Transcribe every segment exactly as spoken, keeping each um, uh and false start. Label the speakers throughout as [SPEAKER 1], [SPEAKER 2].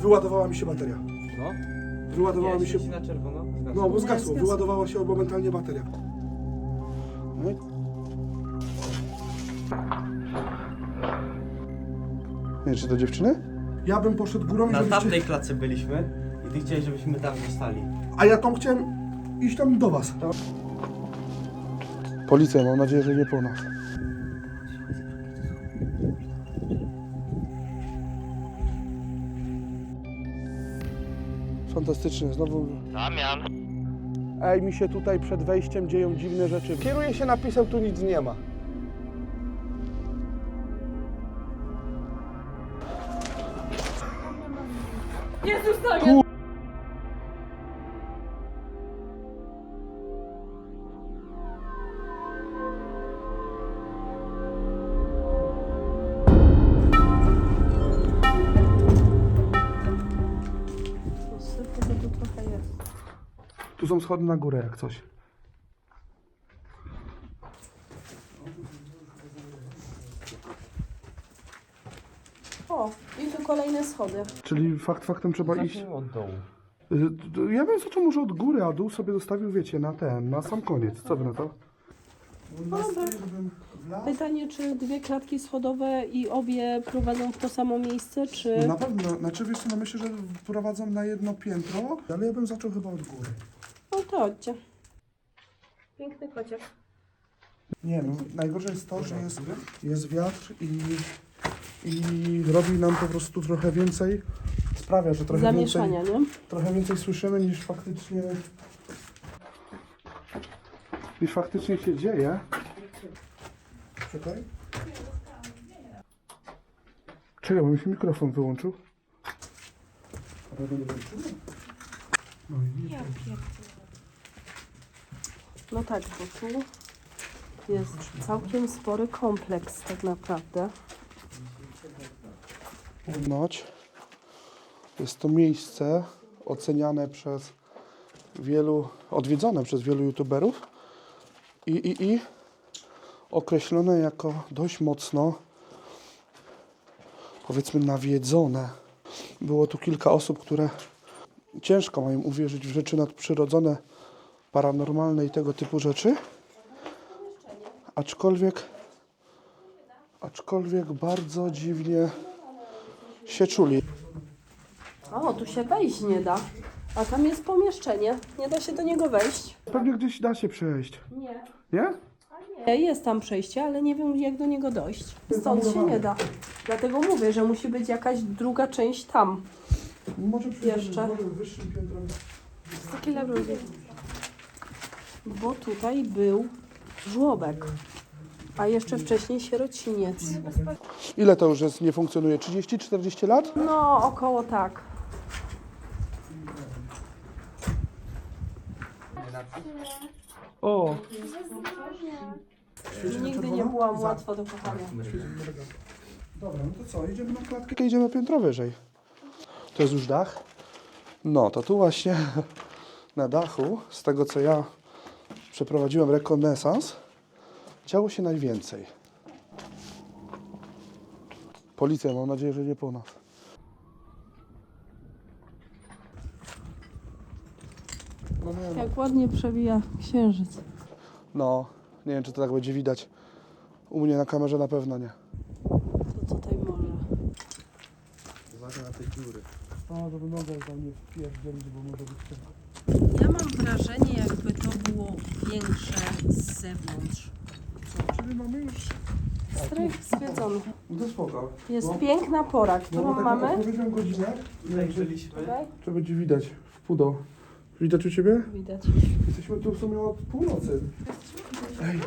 [SPEAKER 1] Wyładowała mi się bateria.
[SPEAKER 2] No?
[SPEAKER 1] Wyładowała
[SPEAKER 2] Nie,
[SPEAKER 1] mi się...
[SPEAKER 2] świeci na czerwono. Zgasło.
[SPEAKER 1] No, bo
[SPEAKER 3] Nie,
[SPEAKER 1] zgasło.
[SPEAKER 3] zgasło.
[SPEAKER 1] Wyładowała się momentalnie bateria. No i... Nie, czy to dziewczyny? Ja bym poszedł górą i
[SPEAKER 2] Na
[SPEAKER 1] żebyście...
[SPEAKER 2] tamtej klatce byliśmy i ty chciałeś, żebyśmy tam zostali.
[SPEAKER 1] A ja tam chciałem iść tam do was. Policja, mam nadzieję, że nie po nas. Fantastycznie, znowu...
[SPEAKER 4] Damian.
[SPEAKER 1] Ej, mi się tutaj przed wejściem dzieją dziwne rzeczy. Kieruję się napisem, tu nic nie ma.
[SPEAKER 3] Jezus, Damian! Tu trochę jest.
[SPEAKER 1] Tu są schody na górę, jak coś.
[SPEAKER 3] O, i tu kolejne schody.
[SPEAKER 1] Czyli fakt faktem trzeba iść...
[SPEAKER 2] Zacznijmy od dołu.
[SPEAKER 1] Y, Ja bym zaczął może od góry, a dół sobie zostawił, wiecie, na ten, na sam koniec. Co wy na to?
[SPEAKER 3] Pytanie, czy dwie klatki schodowe i obie prowadzą w to samo miejsce, czy...
[SPEAKER 1] Na pewno, znaczy wiesz co, no myślę, że prowadzą na jedno piętro, ale ja bym zaczął chyba od góry.
[SPEAKER 3] No to chodźcie. Piękny kociak.
[SPEAKER 1] Nie no, najgorsze jest to, że jest, jest wiatr i, i robi nam po prostu trochę więcej, sprawia, że trochę więcej,
[SPEAKER 3] Zamieszania, nie?
[SPEAKER 1] trochę więcej słyszymy niż faktycznie, niż faktycznie się dzieje. Czekaj. Czekaj, bo mi się mikrofon wyłączył. No i nie.
[SPEAKER 3] No tak, bo tu jest całkiem spory kompleks tak naprawdę.
[SPEAKER 1] Ponoć jest to miejsce oceniane przez wielu, odwiedzone przez wielu youtuberów i, i, i określone jako dość mocno, powiedzmy, nawiedzone. Było tu kilka osób, które ciężko mają uwierzyć w rzeczy nadprzyrodzone, paranormalne i tego typu rzeczy. Aczkolwiek, aczkolwiek bardzo dziwnie się czuli.
[SPEAKER 3] O, tu się wejść nie da. A tam jest pomieszczenie. Nie da się do niego wejść.
[SPEAKER 1] Pewnie gdzieś da się przejść,
[SPEAKER 3] Nie.
[SPEAKER 1] nie?
[SPEAKER 3] Jest tam przejście, ale nie wiem, jak do niego dojść. Stąd się nie da. Dlatego mówię, że musi być jakaś druga część tam.
[SPEAKER 1] Może
[SPEAKER 3] Jeszcze.
[SPEAKER 1] wyższym piętrem.
[SPEAKER 3] Jest taki level. Bo tutaj był żłobek. A jeszcze wcześniej sierociniec.
[SPEAKER 1] Ile to już jest, nie funkcjonuje? trzydzieści czterdzieści lat?
[SPEAKER 3] No, około tak.
[SPEAKER 1] O!
[SPEAKER 3] Nigdy nie byłam łatwa do kochania.
[SPEAKER 1] Dobra, no to co, idziemy na klatkę? Idziemy piętro wyżej. To jest już dach? No, to tu właśnie na dachu, z tego co ja przeprowadziłem rekonesans, działo się najwięcej. Policja, mam nadzieję, że nie po nas. No, nie, no.
[SPEAKER 3] Jak ładnie przebija księżyc.
[SPEAKER 1] no, nie wiem, czy to tak będzie widać. U mnie na kamerze na pewno nie.
[SPEAKER 3] To tutaj może.
[SPEAKER 2] Uwaga na te dziury.
[SPEAKER 1] O, żeby nogę tam nie wpierdzielić, bo może być ciemno.
[SPEAKER 3] Ja mam wrażenie, jakby to było większe z zewnątrz.
[SPEAKER 1] Czyli mamy już...
[SPEAKER 3] Strych zwiedzony.
[SPEAKER 1] No to spoko.
[SPEAKER 3] Jest
[SPEAKER 1] No.
[SPEAKER 3] piękna pora,
[SPEAKER 1] No
[SPEAKER 3] którą
[SPEAKER 1] bo tak
[SPEAKER 3] mamy.
[SPEAKER 1] odpowiedziałem godzinę.
[SPEAKER 2] Tutaj byliśmy.
[SPEAKER 3] Tutaj
[SPEAKER 1] To będzie widać w pudo. Widać u Ciebie?
[SPEAKER 3] widać.
[SPEAKER 1] Jesteśmy tu w sumie od północy. Ej.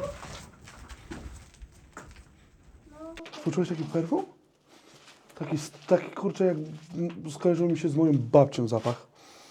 [SPEAKER 1] Poczułeś taki perfum? Taki, taki kurczę, jak mm, skojarzył mi się z moją babcią zapach.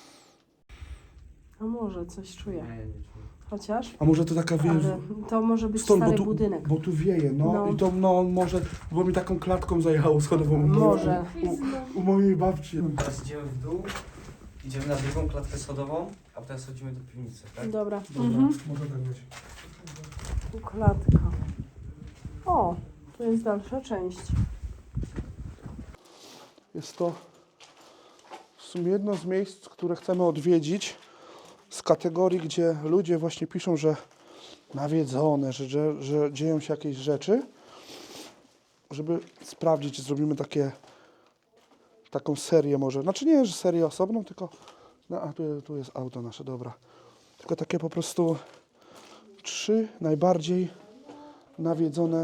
[SPEAKER 3] A może coś czuję.
[SPEAKER 2] Nie, nie czuję.
[SPEAKER 3] Chociaż.
[SPEAKER 1] A może to taka wie...
[SPEAKER 3] Ale to może być
[SPEAKER 1] Stąd, bo
[SPEAKER 3] stary
[SPEAKER 1] tu,
[SPEAKER 3] budynek.
[SPEAKER 1] bo tu wieje, no,
[SPEAKER 3] No.
[SPEAKER 1] i to no może, bo mi taką klatką zajechało schodową.
[SPEAKER 3] Może.
[SPEAKER 1] U, u mojej babci.
[SPEAKER 2] Teraz idziemy w dół, idziemy na drugą klatkę schodową, a teraz chodzimy do piwnicy, tak?
[SPEAKER 3] Dobra.
[SPEAKER 1] Dobra,
[SPEAKER 3] Mhm.
[SPEAKER 1] może tak być.
[SPEAKER 3] Tu klatka. O, tu jest dalsza część.
[SPEAKER 1] Jest to sumie jedno z miejsc, które chcemy odwiedzić z kategorii, gdzie ludzie właśnie piszą, że nawiedzone, że, że, że dzieją się jakieś rzeczy. Żeby sprawdzić, zrobimy takie, taką serię może. Znaczy nie, że serię osobną, tylko... No, a tu, tu jest auto nasze, dobra. Tylko takie po prostu trzy najbardziej nawiedzone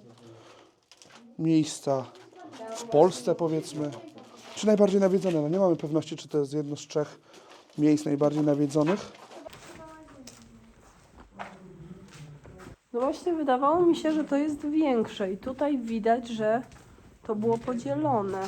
[SPEAKER 1] miejsca w Polsce, powiedzmy. Czy najbardziej nawiedzone? No nie mamy pewności, czy to jest jedno z trzech miejsc najbardziej nawiedzonych.
[SPEAKER 3] No właśnie wydawało mi się, że to jest większe i tutaj widać, że to było podzielone.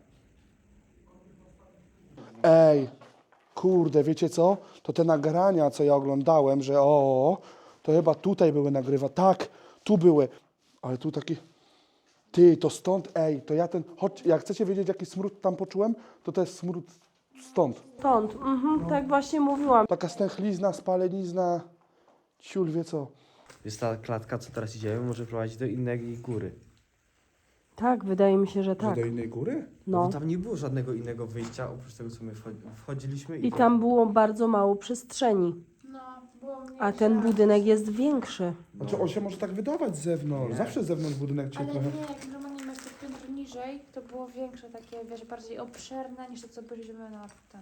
[SPEAKER 1] Ej, kurde, wiecie co? To te nagrania, co ja oglądałem, że o, to chyba tutaj były nagrywa. Tak, tu były. Ale tu taki... Ty, to stąd, ej, to ja ten... Chodź, jak chcecie wiedzieć, jaki smród tam poczułem, to to jest smród stąd.
[SPEAKER 3] Stąd, mhm, tak właśnie mówiłam.
[SPEAKER 1] Taka stęchlizna, spalenizna, ciul wie co.
[SPEAKER 2] Jest ta klatka, co teraz idziemy, może prowadzić do innej góry.
[SPEAKER 3] Tak, wydaje mi się, że tak.
[SPEAKER 1] Do innej góry?
[SPEAKER 2] No.
[SPEAKER 3] No.
[SPEAKER 2] Bo tam nie było żadnego innego wyjścia, oprócz tego, co my wchodzi- wchodziliśmy.
[SPEAKER 3] I tam było bardzo mało przestrzeni.
[SPEAKER 4] No, było mniejsze.
[SPEAKER 3] A ten budynek jest większy.
[SPEAKER 1] Znaczy on się może tak wydawać z zewnątrz.
[SPEAKER 2] Nie.
[SPEAKER 1] Zawsze z zewnątrz budynek cię
[SPEAKER 4] Ale
[SPEAKER 1] trochę...
[SPEAKER 4] nie, jak normalnie masz te piętro niżej, to było większe, takie, wiesz, bardziej obszerne niż to, co byliśmy na ten.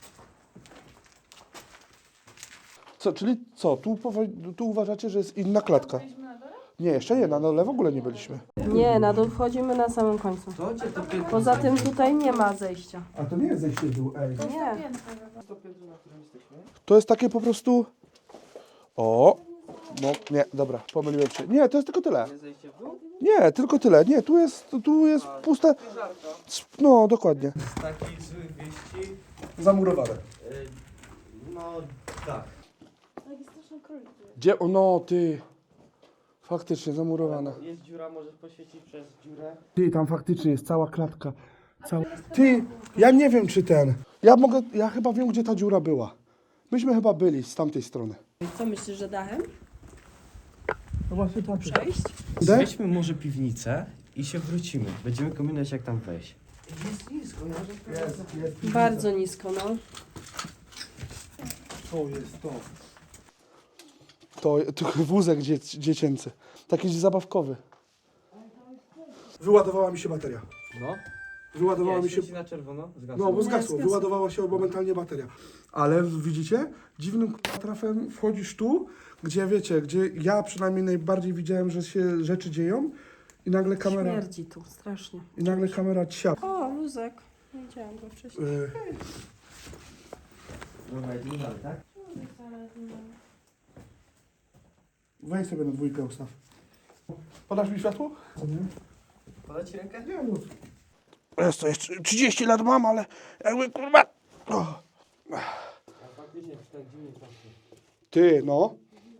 [SPEAKER 1] Co, czyli co, tu, powo- tu uważacie, że jest inna klatka?
[SPEAKER 4] Byliśmy na dole?
[SPEAKER 1] Nie, jeszcze nie, na dole w ogóle nie byliśmy.
[SPEAKER 3] Nie, na dół wchodzimy na samym końcu.
[SPEAKER 2] To gdzie to piętro?
[SPEAKER 3] Poza tym tutaj nie ma zejścia.
[SPEAKER 1] A to nie jest zejście w dół, ej.
[SPEAKER 4] To jest
[SPEAKER 3] Nie.
[SPEAKER 4] to piętro chyba.
[SPEAKER 2] To piętro, na którym jesteśmy?
[SPEAKER 1] To jest takie po prostu... O, no nie, dobra, pomyliłem się. Nie, to jest tylko tyle.
[SPEAKER 2] Nie zejście w dół?
[SPEAKER 1] Nie, tylko tyle. Nie, tu jest, tu jest puste...
[SPEAKER 2] Żarka.
[SPEAKER 1] No, dokładnie.
[SPEAKER 2] Z takich złych wieści,
[SPEAKER 1] Zamurowane.
[SPEAKER 2] y, no tak.
[SPEAKER 4] Taki straszny królik.
[SPEAKER 1] Gdzie? O, no, ty. Faktycznie zamurowane.
[SPEAKER 2] Jest dziura, możesz poświecić przez dziurę.
[SPEAKER 1] Ty, tam faktycznie jest cała klatka. Cała... Ty, ja nie wiem, czy ten... Ja mogę, ja chyba wiem, gdzie ta dziura była. Myśmy chyba byli z tamtej strony.
[SPEAKER 3] Co myślisz, że dachem?
[SPEAKER 1] No właśnie tak.
[SPEAKER 3] Przejść?
[SPEAKER 2] Zwiedźmy może piwnicę i się wrócimy. Będziemy kombinować, jak tam wejść. Jest nisko, ja
[SPEAKER 1] Jest, jest.
[SPEAKER 3] Bardzo nisko, no.
[SPEAKER 1] To jest to. To, to wózek dziec, dziecięcy. Taki zabawkowy. Wyładowała mi się bateria.
[SPEAKER 2] No.
[SPEAKER 1] Wyładowała mi się...
[SPEAKER 2] świeci na czerwono. Zgasło.
[SPEAKER 1] No, bo
[SPEAKER 3] Nie,
[SPEAKER 1] zgasło.
[SPEAKER 3] zgasło.
[SPEAKER 1] Wyładowała się momentalnie bateria. Ale widzicie? Dziwnym k***a trafem wchodzisz tu, gdzie wiecie, gdzie ja przynajmniej najbardziej widziałem, że się rzeczy dzieją i nagle kamera...
[SPEAKER 3] Śmierdzi tu, strasznie.
[SPEAKER 1] I nagle kamera ciap.
[SPEAKER 3] O, luzek. Nie widziałam go wcześniej.
[SPEAKER 1] Yy,
[SPEAKER 2] Dobra, idziemy dalej, tak?
[SPEAKER 1] weź sobie na dwójkę ustaw. Podasz mi światło? Co nie?
[SPEAKER 2] Podać ci rękę?
[SPEAKER 1] Nie, mów. Jest to jeszcze trzydzieści lat mam, ale jakby kurwa... O.
[SPEAKER 2] A faktycznie, tak dziwnie pachnie.
[SPEAKER 1] Ty, no.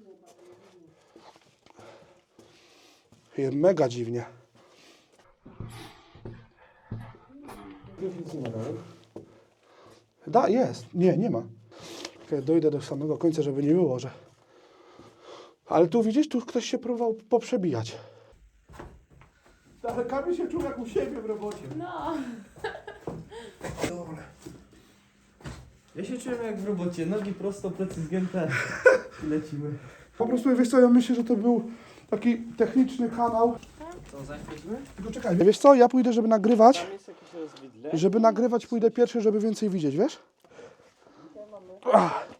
[SPEAKER 1] Jest mega dziwnie.
[SPEAKER 2] Już nic nie ma dalej.
[SPEAKER 1] Da, jest. Nie, nie ma. Czekaj, dojdę do samego końca, żeby nie było, że... Ale tu widzisz, tu ktoś się próbował poprzebijać. Ale Kamil się czuł jak u siebie w robocie.
[SPEAKER 4] No.
[SPEAKER 1] Dobra.
[SPEAKER 2] Ja się czułem jak w robocie, nogi prosto, plecy zgięte i lecimy.
[SPEAKER 1] Po prostu, wiesz co, ja myślę, że to był taki techniczny kanał.
[SPEAKER 2] Co, zaświecimy?
[SPEAKER 1] Tylko czekaj, wiesz co, ja pójdę, żeby nagrywać.
[SPEAKER 2] Tam jest jakieś rozwidle.
[SPEAKER 1] Żeby nagrywać, pójdę pierwszy, żeby więcej widzieć, wiesz? Ach.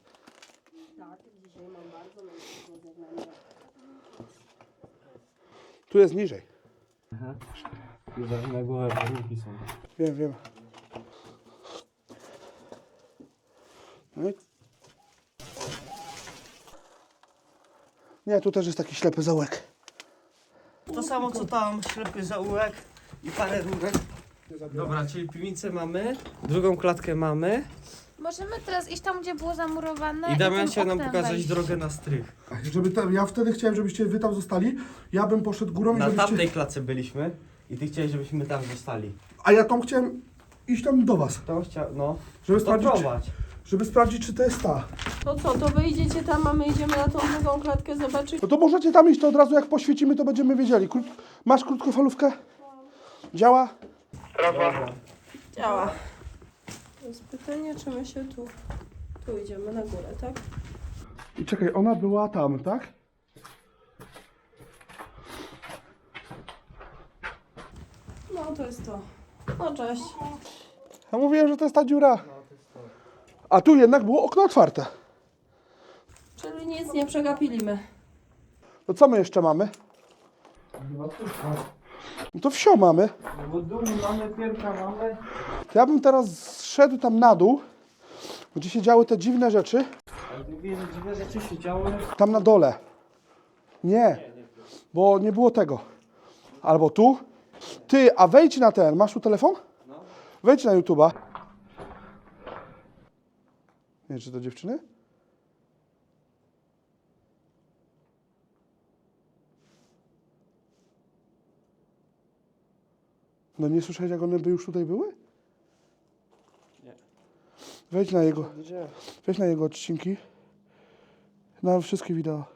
[SPEAKER 1] Tu jest niżej.
[SPEAKER 2] Aha. Uważaj na głowę, warunki są.
[SPEAKER 1] Wiem, wiem. No i... Nie, tu też jest taki ślepy zaułek.
[SPEAKER 2] To samo co tam, ślepy zaułek i parę rurek. Dobra, czyli piwnicę mamy, drugą klatkę mamy
[SPEAKER 4] Możemy teraz iść tam, gdzie było zamurowane
[SPEAKER 2] i Damian
[SPEAKER 4] tym
[SPEAKER 2] chciał nam
[SPEAKER 4] oknem
[SPEAKER 2] pokazać
[SPEAKER 4] wejść.
[SPEAKER 2] drogę na strych.
[SPEAKER 1] Żeby tam, ja wtedy chciałem, żebyście wy tam zostali. Ja bym poszedł górą i
[SPEAKER 2] Na
[SPEAKER 1] żebyście...
[SPEAKER 2] tamtej klatce byliśmy i ty chciałeś, żebyśmy tam zostali.
[SPEAKER 1] A ja tam chciałem iść tam do was.
[SPEAKER 2] To chciał, no,
[SPEAKER 1] Żeby
[SPEAKER 2] to
[SPEAKER 1] sprawdzić, czy,
[SPEAKER 2] prowadź.
[SPEAKER 1] żeby sprawdzić, czy to jest ta.
[SPEAKER 3] To co, to wyjdziecie tam, a my idziemy na tą drugą klatkę zobaczyć.
[SPEAKER 1] No to możecie tam iść, to od razu jak poświecimy, to będziemy wiedzieli. Krót... Masz krótkofalówkę? Działa?
[SPEAKER 2] Dobra.
[SPEAKER 3] Działa. To jest pytanie, czy my się tu... Tu idziemy na górę, tak?
[SPEAKER 1] I czekaj, ona była tam, tak?
[SPEAKER 3] No, to jest to. No, cześć.
[SPEAKER 1] Ja mówiłem, że to jest ta dziura. A tu jednak było okno otwarte.
[SPEAKER 3] Czyli nic nie przegapiliśmy.
[SPEAKER 1] To co my jeszcze mamy?
[SPEAKER 2] Chyba tu.
[SPEAKER 1] No to wsio mamy.
[SPEAKER 2] No bo dół mamy, pierka mamy.
[SPEAKER 1] To ja bym teraz zszedł tam na dół, gdzie się działy te dziwne rzeczy.
[SPEAKER 2] Ale mówię, że dziwne rzeczy się działy.
[SPEAKER 1] Tam na dole. Nie, bo nie było tego. Albo tu. Ty, a wejdź na ten. Masz tu telefon?
[SPEAKER 2] No.
[SPEAKER 1] Wejdź na YouTube'a. Nie, czy to dziewczyny? No nie słyszałeś, jak one by już tutaj były?
[SPEAKER 2] Nie.
[SPEAKER 1] Wejdź na jego,
[SPEAKER 2] Gdzie?
[SPEAKER 1] wejdź na jego odcinki. Na wszystkie wideo.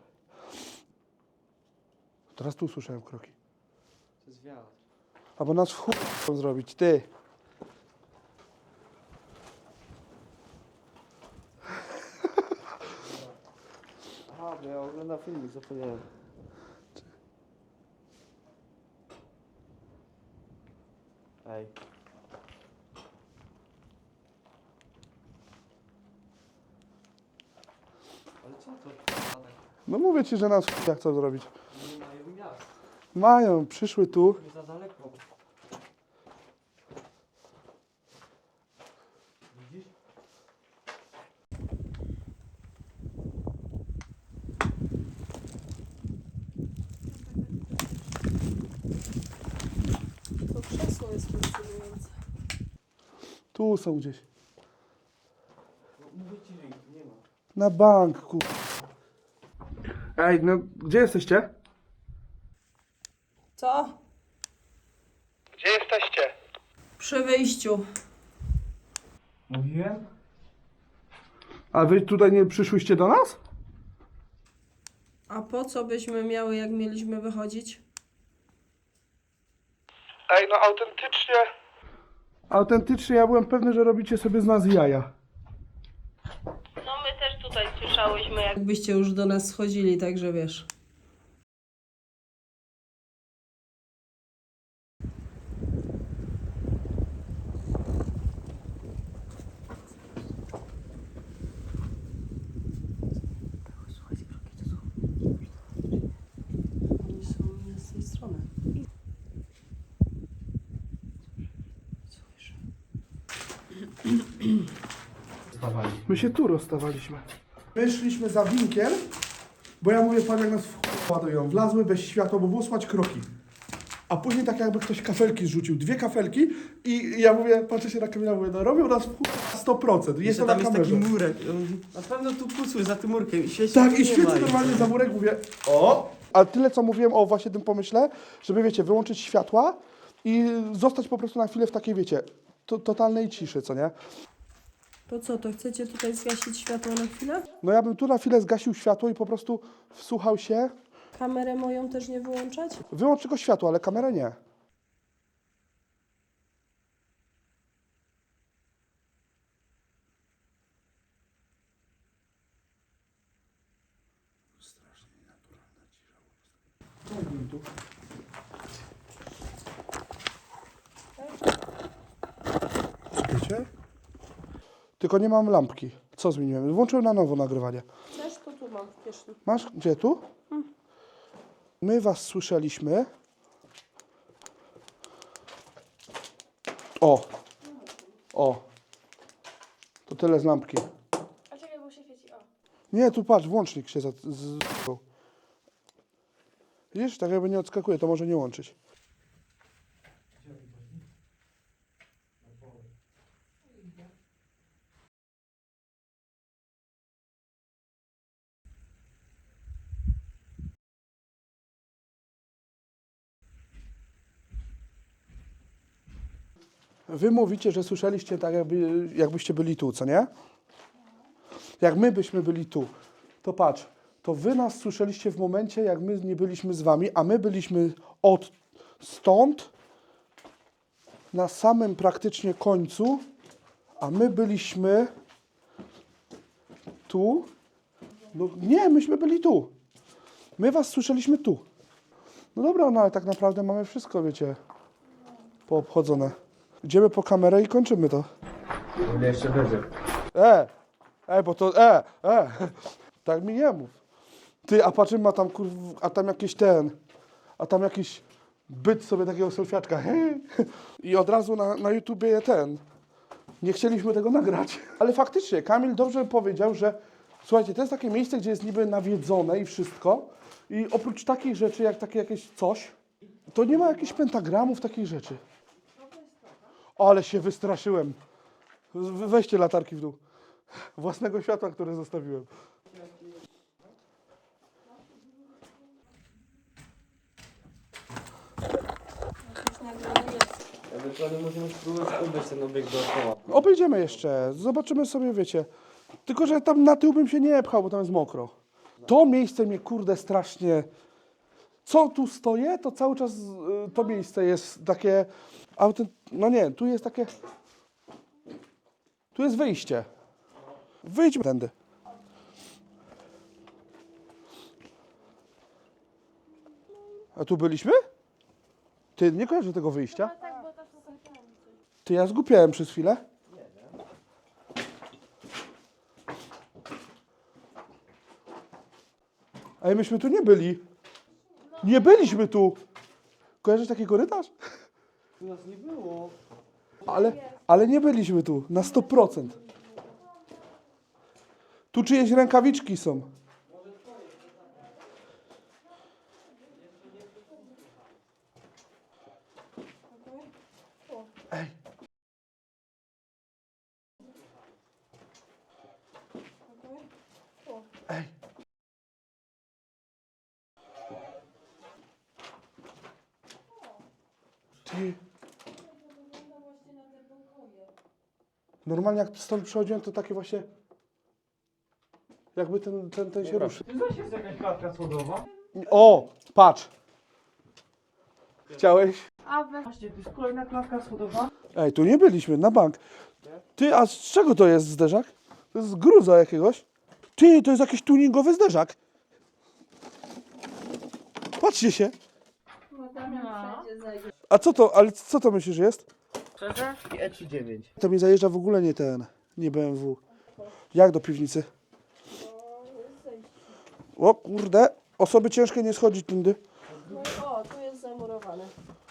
[SPEAKER 1] Teraz tu słyszałem kroki.
[SPEAKER 2] To jest wiatr.
[SPEAKER 1] Albo nas w chuj chcą zrobić, ty.
[SPEAKER 2] Aha, bo ja oglądam filmik, zapomniałem. Ej. Ale co to?
[SPEAKER 1] No mówię ci, że nas w chuj chcą zrobić.
[SPEAKER 2] Nie mają miast.
[SPEAKER 1] Mają, przyszły tu.
[SPEAKER 2] Nie za daleko. Widzisz?
[SPEAKER 3] To krzesło jest fascynujące.
[SPEAKER 1] Tu są gdzieś.
[SPEAKER 2] No, mówię ci, że ich nie ma.
[SPEAKER 1] Na bank, kur... Ej, no gdzie jesteście?
[SPEAKER 3] Co?
[SPEAKER 1] Gdzie jesteście?
[SPEAKER 3] Przy wyjściu.
[SPEAKER 2] Mówiłem?
[SPEAKER 1] A wy tutaj nie przyszłyście do nas?
[SPEAKER 3] A po co byśmy miały, jak mieliśmy wychodzić?
[SPEAKER 1] Ej, no autentycznie. Autentycznie ja byłem pewny, że robicie sobie z nas jaja.
[SPEAKER 3] No my też tutaj słyszałyśmy, jakbyście już do nas schodzili, także wiesz. Oni są z tej strony. Słyszę.
[SPEAKER 2] Stawali.
[SPEAKER 1] My się tu rozstawaliśmy. My szliśmy za winkiel, bo ja mówię, pan jak nas w ładują. Wlazły bez światła, bo było słychać kroki. A później tak jakby ktoś kafelki zrzucił. Dwie kafelki i ja mówię, patrzę się na Kamila, mówię, no robią nas w sto procent. Jest
[SPEAKER 2] Jeszcze
[SPEAKER 1] to na
[SPEAKER 2] tam jest taki
[SPEAKER 1] kamerze.
[SPEAKER 2] murek. Na pewno tu kusły za tym murkiem i świeci.
[SPEAKER 1] Tak,
[SPEAKER 2] tu
[SPEAKER 1] i
[SPEAKER 2] nie
[SPEAKER 1] świecę
[SPEAKER 2] ma.
[SPEAKER 1] normalnie za murek, mówię, o! A tyle, co mówiłem o właśnie tym pomyśle, żeby, wiecie, wyłączyć światła i zostać po prostu na chwilę w takiej, wiecie, to, totalnej ciszy, co nie?
[SPEAKER 3] To co, to chcecie tutaj zgasić światło na chwilę?
[SPEAKER 1] No ja bym tu na chwilę zgasił światło i po prostu wsłuchał się.
[SPEAKER 3] Kamerę moją też nie wyłączać?
[SPEAKER 1] Wyłącz tylko światło, ale kamerę nie. Słuchajcie? Tylko nie mam lampki. Co zmieniłem? Włączyłem na nowo nagrywanie.
[SPEAKER 3] Chcesz, to tu mam w kieszeni.
[SPEAKER 1] Masz? Gdzie? Tu? My was słyszeliśmy. O! O! To tyle z lampki.
[SPEAKER 4] A czekaj, bo się świeci. O.
[SPEAKER 1] Nie, tu patrz, włącznik się za... Z... Widzisz? Tak jakby nie odskakuje, to może nie łączyć. Wy mówicie, że słyszeliście tak, jakby, jakbyście byli tu, co nie? Jak my byśmy byli tu, to patrz, to wy nas słyszeliście w momencie, jak my nie byliśmy z wami, a my byliśmy od stąd na samym praktycznie końcu, A my byliśmy tu. No nie, myśmy byli tu. My was słyszeliśmy tu. No dobra, no ale tak naprawdę mamy wszystko, wiecie, poobchodzone. Idziemy po kamerę i kończymy to.
[SPEAKER 2] Ale jeszcze będzie.
[SPEAKER 1] E, e, bo to, e, e, tak mi nie mów. Ty, a patrzymy, ma tam kurw, a tam jakiś ten, a tam jakiś byt sobie takiego selfiaczka. I od razu na, na YouTubie ten. Nie chcieliśmy tego nagrać. Ale faktycznie, Kamil dobrze powiedział, że słuchajcie, to jest takie miejsce, gdzie jest niby nawiedzone i wszystko. I oprócz takich rzeczy, jak takie jakieś coś, to nie ma jakichś pentagramów, takich rzeczy. Ale się wystraszyłem. We- Weźcie latarki w dół. Własnego światła, które zostawiłem.
[SPEAKER 2] Ewentualnie możemy spróbować obejść ten obiekt dookoła.
[SPEAKER 1] Obejdziemy jeszcze, zobaczymy sobie, wiecie. Tylko, że tam na tył bym się nie pchał, bo tam jest mokro. To miejsce mnie, kurde, strasznie... Co tu stoję, to cały czas y, to miejsce jest takie... Autent... No nie, tu jest takie... Tu jest wyjście. Wyjdźmy tędy. A tu byliśmy? Ty, nie kojarzę tego wyjścia?
[SPEAKER 4] No tak, bo to są konferencje.
[SPEAKER 1] Ty, ja zgupiałem przez chwilę. Ale myśmy tu nie byli. Nie byliśmy tu. Kojarzysz taki korytarz?
[SPEAKER 2] Tu nas nie było.
[SPEAKER 1] Ale, ale nie byliśmy tu, na sto procent. Tu czyjeś rękawiczki są. Ej. Ej. Ty. Normalnie jak stąd przychodziłem, to takie właśnie... Jakby ten, ten, ten się ruszył.
[SPEAKER 2] Ty zaś jest jakaś klatka schodowa?
[SPEAKER 1] O, patrz. Chciałeś?
[SPEAKER 4] A we...
[SPEAKER 2] Właśnie, to jest kolejna klatka schodowa.
[SPEAKER 1] Ej, tu nie byliśmy, na bank. Ty, a z czego to jest zderzak? To jest z gruza jakiegoś. Ty, to jest jakiś tuningowy zderzak. Patrzcie się. A co to, ale co to myślisz, że jest?
[SPEAKER 2] Szczerze? I E trzydzieści dziewięć.
[SPEAKER 1] To mi zajeżdża w ogóle nie ten, nie B M W. Jak do piwnicy? O kurde, osoby ciężkie nie schodzić tędy.
[SPEAKER 3] No i o, tu jest zamurowane.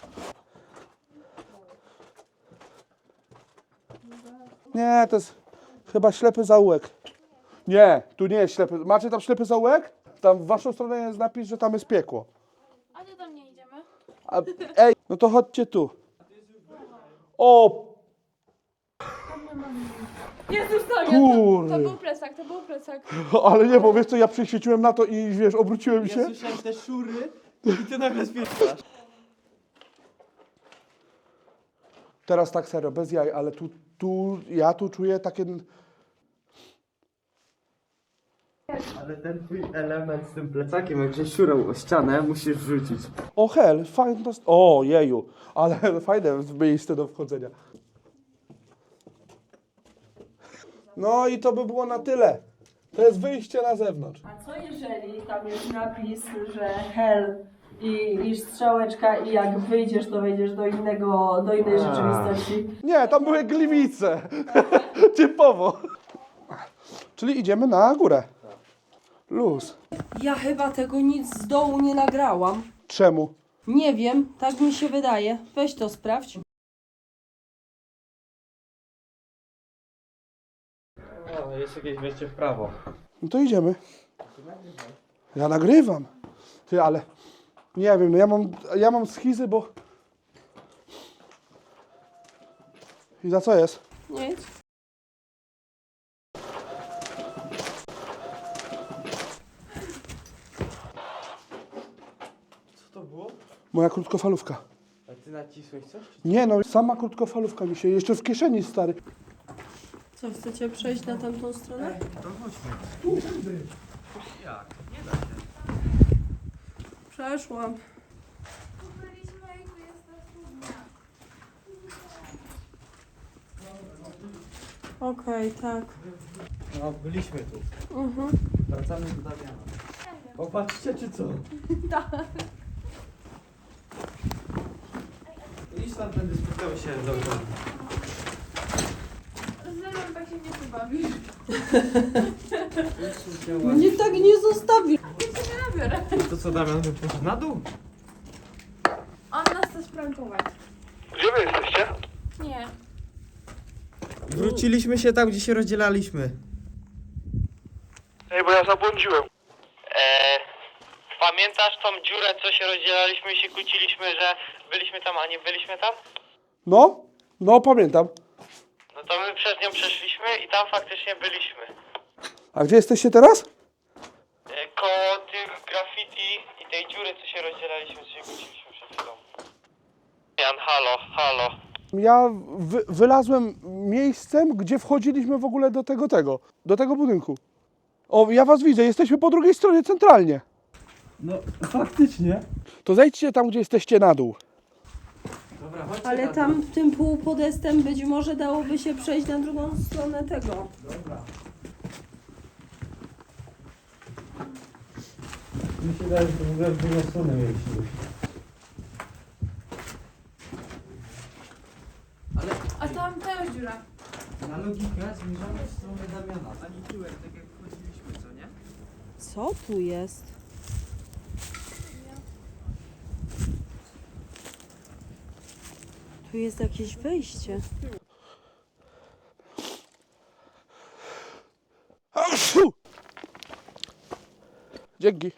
[SPEAKER 1] Nie, to jest chyba ślepy zaułek. Nie, tu nie jest ślepy. Macie tam ślepy zaułek? Tam w waszą stronę jest napis, że tam jest piekło.
[SPEAKER 4] A to tam nie idziemy?
[SPEAKER 1] A, ej, no to chodźcie tu. O,
[SPEAKER 4] Jezus, to,
[SPEAKER 1] Kurde.
[SPEAKER 4] to był plecak, to był plecak.
[SPEAKER 1] ale nie, bo wiesz co, ja przyświeciłem na to i wiesz, obróciłem
[SPEAKER 2] Ja
[SPEAKER 1] się.
[SPEAKER 2] słyszałem te szury i ty nagle spierdasz.
[SPEAKER 1] Teraz tak serio, bez jaj, ale tu, tu, ja tu czuję takie...
[SPEAKER 2] Ale ten twój element z tym plecakiem, jak się szurał o ścianę, musisz wrzucić.
[SPEAKER 1] O hel, fajne, o jeju, ale fajne miejsce do wchodzenia. No i to by było na tyle. To jest wyjście na zewnątrz.
[SPEAKER 3] A co jeżeli tam jest napis, że hell i, i strzałeczka i jak wyjdziesz, to wejdziesz do innego, do innej rzeczywistości?
[SPEAKER 1] Nie, tam były gliwice. Typowo. Czyli idziemy na górę. Luz.
[SPEAKER 3] Ja chyba tego nic z dołu nie nagrałam.
[SPEAKER 1] Czemu?
[SPEAKER 3] Nie wiem, tak mi się wydaje. Weź to sprawdź.
[SPEAKER 2] O, jest jakieś wejście w prawo.
[SPEAKER 1] No to idziemy. Ja nagrywam. Ty, ale nie wiem, no ja mam, ja mam schizy, bo... I za co jest?
[SPEAKER 3] Nic.
[SPEAKER 2] Co to było?
[SPEAKER 1] Moja krótkofalówka.
[SPEAKER 2] A ty nacisłeś coś?
[SPEAKER 1] Nie no, sama krótkofalówka mi się jeszcze w kieszeni, stary.
[SPEAKER 3] Co, chcecie przejść na tamtą stronę?
[SPEAKER 2] To chodźmy. Jak? Nie da się.
[SPEAKER 3] Przeszłam.
[SPEAKER 4] Byliśmy i tu jest ta studnia.
[SPEAKER 3] Okej, tak.
[SPEAKER 2] No, byliśmy tu.
[SPEAKER 3] Mhm.
[SPEAKER 2] Wracamy do Damiana. Popatrzcie, czy co?
[SPEAKER 4] Tak.
[SPEAKER 2] Idź tam, tędy spotkamy się dobrze.
[SPEAKER 4] Z Zelą tak się nie pobawisz.
[SPEAKER 3] Mnie tak nie zostawi.
[SPEAKER 4] Ja cię nie nabiorę.
[SPEAKER 2] To co, Damian by poszedł na dół?
[SPEAKER 4] On nas chce sprankować.
[SPEAKER 1] Gdzie wy jesteście?
[SPEAKER 4] Nie.
[SPEAKER 2] Wróciliśmy się tam, gdzie się rozdzielaliśmy.
[SPEAKER 1] Ej, bo ja zabłądziłem.
[SPEAKER 2] Eee, pamiętasz tą dziurę, co się rozdzielaliśmy i się kłóciliśmy, że byliśmy tam, a nie byliśmy tam?
[SPEAKER 1] No, no pamiętam.
[SPEAKER 2] No to my przez nią przeszliśmy i tam faktycznie byliśmy.
[SPEAKER 1] A gdzie jesteście teraz?
[SPEAKER 2] Eee, koło tych graffiti i tej dziury, co się rozdzielaliśmy, co się kłóciliśmy przed chwilą. Jan, halo, halo.
[SPEAKER 1] Ja wy, wylazłem miejscem, gdzie wchodziliśmy w ogóle do tego, tego, do tego budynku. O, ja was widzę, jesteśmy po drugiej stronie centralnie.
[SPEAKER 2] No, faktycznie.
[SPEAKER 1] To zejdźcie tam, gdzie jesteście na dół.
[SPEAKER 2] Dobra, chodźcie
[SPEAKER 3] Ale
[SPEAKER 2] na
[SPEAKER 3] tam
[SPEAKER 2] dół.
[SPEAKER 3] tym półpodestem być może dałoby się przejść na drugą stronę tego.
[SPEAKER 2] Dobra. Mi się daje, że w ogóle w drugą stronę mieliśmy. Ale
[SPEAKER 4] A tam też dziura.
[SPEAKER 2] na logikę zmierzamy w stronę Damiana. Ani tyłek, tak jak wchodziliśmy, co nie?
[SPEAKER 3] Co tu jest? Tu jest jakieś wejście.
[SPEAKER 1] Asiu! Dzięki.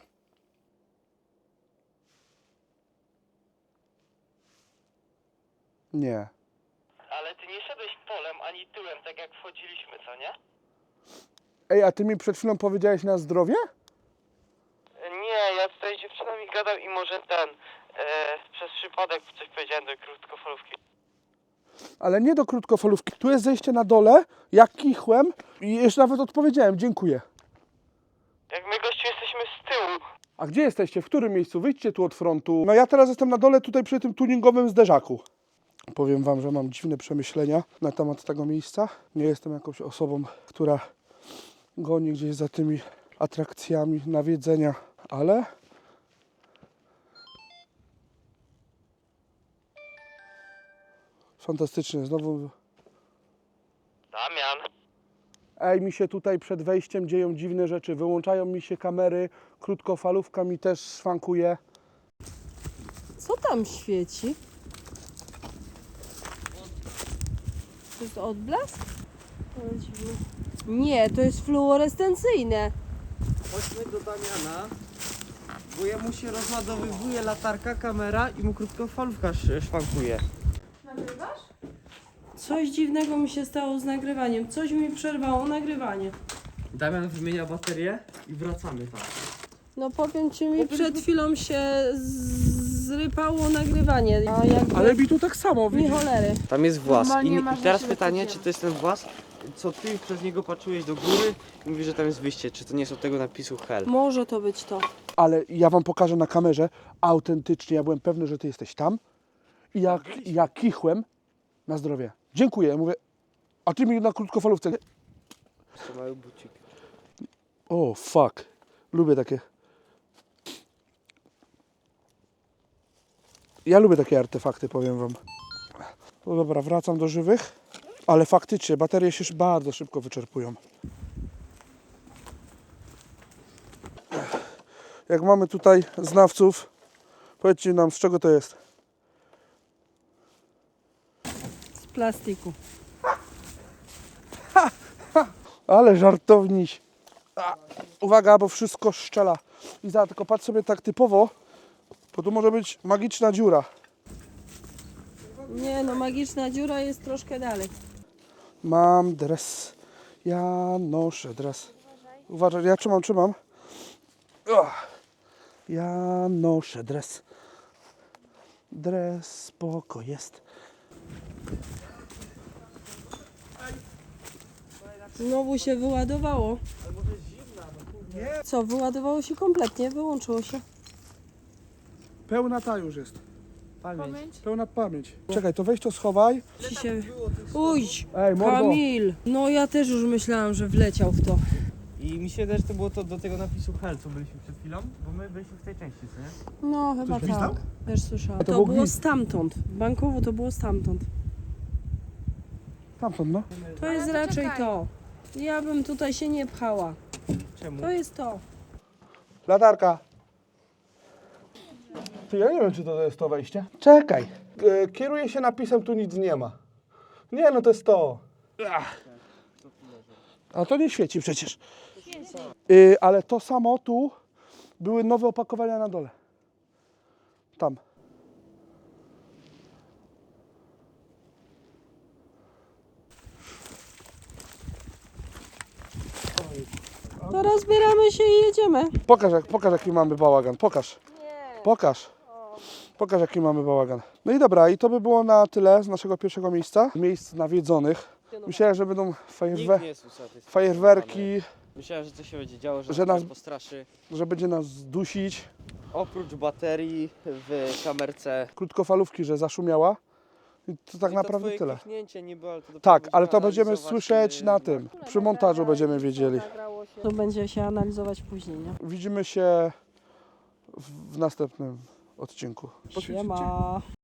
[SPEAKER 1] Nie.
[SPEAKER 2] Ale ty nie szedłeś polem ani tyłem, tak jak wchodziliśmy, co nie?
[SPEAKER 1] Ej, a ty mi przed chwilą powiedziałeś na zdrowie?
[SPEAKER 2] Nie, ja tutaj z dziewczyną mi gadał i może ten, e, przez przypadek coś powiedziałem do krótkofalówki.
[SPEAKER 1] Ale nie do krótkofalówki. Tu jest zejście na dole, jak kichłem i jeszcze nawet odpowiedziałem, dziękuję.
[SPEAKER 2] Jak my gościu jesteśmy z tyłu.
[SPEAKER 1] A gdzie jesteście? W którym miejscu? Wyjdźcie tu od frontu. No ja teraz jestem na dole tutaj przy tym tuningowym zderzaku. Powiem wam, że mam dziwne przemyślenia na temat tego miejsca. Nie jestem jakąś osobą, która goni gdzieś za tymi atrakcjami nawiedzenia, ale fantastycznie. Znowu
[SPEAKER 2] Damian.
[SPEAKER 1] Ej, mi się tutaj przed wejściem dzieją dziwne rzeczy. Wyłączają mi się kamery, krótkofalówka mi też szwankuje.
[SPEAKER 3] Co tam świeci? To jest odblask? Ale dziwne. Nie, to jest fluorescencyjne.
[SPEAKER 2] Chodźmy do Damiana, bo jemu się rozładowywuje latarka, kamera i mu krótkofalówka sz- szwankuje.
[SPEAKER 4] Nagrywasz?
[SPEAKER 3] Coś dziwnego mi się stało z nagrywaniem. Coś mi przerwało nagrywanie.
[SPEAKER 2] Damian wymienia baterię i wracamy tam.
[SPEAKER 3] No powiem ci, mi przed chwilą się z- zrypało nagrywanie. A jakby
[SPEAKER 1] Ale mi tu tak samo,
[SPEAKER 3] mi
[SPEAKER 1] widzisz?
[SPEAKER 3] cholery.
[SPEAKER 2] Tam jest włas.
[SPEAKER 4] Normalnie
[SPEAKER 2] I,
[SPEAKER 4] masz
[SPEAKER 2] i teraz
[SPEAKER 4] na siebie
[SPEAKER 2] pytanie,
[SPEAKER 4] takie-
[SPEAKER 2] czy to jest ten włas, co ty przez niego patrzyłeś do góry i mówisz, że tam jest wyjście. Czy to nie jest od tego napisu hell?
[SPEAKER 3] Może to być to.
[SPEAKER 1] Ale ja wam pokażę na kamerze, autentycznie, ja byłem pewny, że ty jesteś tam. I jak ja kichłem, na zdrowie. Dziękuję, ja mówię, a ty mi na krótkofalówce.
[SPEAKER 2] To mały bucik.
[SPEAKER 1] O, fuck. Lubię takie. Ja lubię takie artefakty, powiem wam. No dobra, wracam do żywych. Ale faktycznie, baterie się bardzo szybko wyczerpują. Jak mamy tutaj znawców, powiedzcie nam, z czego to jest.
[SPEAKER 3] Z plastiku.
[SPEAKER 1] Ale żartowniś. A, uwaga, bo wszystko szczela. I za, tylko patrz sobie tak typowo, bo tu może być magiczna dziura.
[SPEAKER 3] Nie no, magiczna dziura jest troszkę dalej.
[SPEAKER 1] Mam dres. Ja noszę dres. Uważaj, ja trzymam, trzymam. Ach. Ja noszę dres. Dres spoko jest.
[SPEAKER 3] Znowu się wyładowało. Co, wyładowało się kompletnie, wyłączyło się.
[SPEAKER 1] Pełna ta już jest.
[SPEAKER 2] Pamięć.
[SPEAKER 4] Pamięć?
[SPEAKER 1] Pełna pamięć. Czekaj, to weź to schowaj.
[SPEAKER 5] Ci się... Uj,
[SPEAKER 1] Ej, mordo.
[SPEAKER 5] Kamil! No ja też już myślałam, że wleciał w to.
[SPEAKER 2] I mi się wydaje, że to było to do tego napisu Hell, co byliśmy przed chwilą, bo my byliśmy w tej części, co nie?
[SPEAKER 5] No chyba
[SPEAKER 1] Ktoś gwizdał?
[SPEAKER 5] tak. Też słyszałam.
[SPEAKER 1] A to
[SPEAKER 5] To,
[SPEAKER 1] był
[SPEAKER 5] było
[SPEAKER 1] gwizd.
[SPEAKER 5] stamtąd. Bankowo to było stamtąd.
[SPEAKER 1] Tamtąd, no.
[SPEAKER 5] To
[SPEAKER 4] Ale
[SPEAKER 5] jest
[SPEAKER 4] to
[SPEAKER 5] raczej
[SPEAKER 4] czekaj.
[SPEAKER 5] to. Ja bym tutaj się nie pchała.
[SPEAKER 2] Czemu?
[SPEAKER 5] To jest to.
[SPEAKER 1] Latarka. Ty, ja nie wiem, czy to jest to wejście. Czekaj. E, Kieruję się napisem, tu nic nie ma. Nie, no to jest to. Ach. A to nie świeci przecież. Y, ale to samo tu były nowe opakowania na dole. Tam.
[SPEAKER 5] To rozbieramy się i jedziemy.
[SPEAKER 1] Pokaż, jak, pokaż jaki mamy bałagan. Pokaż. Pokaż. Pokaż jaki mamy bałagan. No i dobra, i to by było na tyle z naszego pierwszego miejsca. Miejsc nawiedzonych. Myślałem, że będą fajerwe
[SPEAKER 2] Nikt nie jest usatysfakcjonowany.
[SPEAKER 1] fajerwerki,
[SPEAKER 2] Myślałem, że coś się będzie działo, że,
[SPEAKER 1] Że
[SPEAKER 2] nas
[SPEAKER 1] nas-
[SPEAKER 2] postraszy.
[SPEAKER 1] że będzie nas dusić.
[SPEAKER 2] Oprócz baterii w kamerce.
[SPEAKER 1] Krótkofalówki, że zaszumiała. I to tak
[SPEAKER 2] I
[SPEAKER 1] naprawdę
[SPEAKER 2] to twoje
[SPEAKER 1] tyle.
[SPEAKER 2] kichnięcie niby, ale to dopiero
[SPEAKER 1] Tak,
[SPEAKER 2] będziemy
[SPEAKER 1] ale to będziemy
[SPEAKER 2] analizować,
[SPEAKER 1] słyszeć
[SPEAKER 2] yy,
[SPEAKER 1] na tym. Przy montażu będziemy wiedzieli.
[SPEAKER 5] To będzie się analizować później, nie?
[SPEAKER 1] Widzimy się w w następnym odcinku.
[SPEAKER 5] Siema.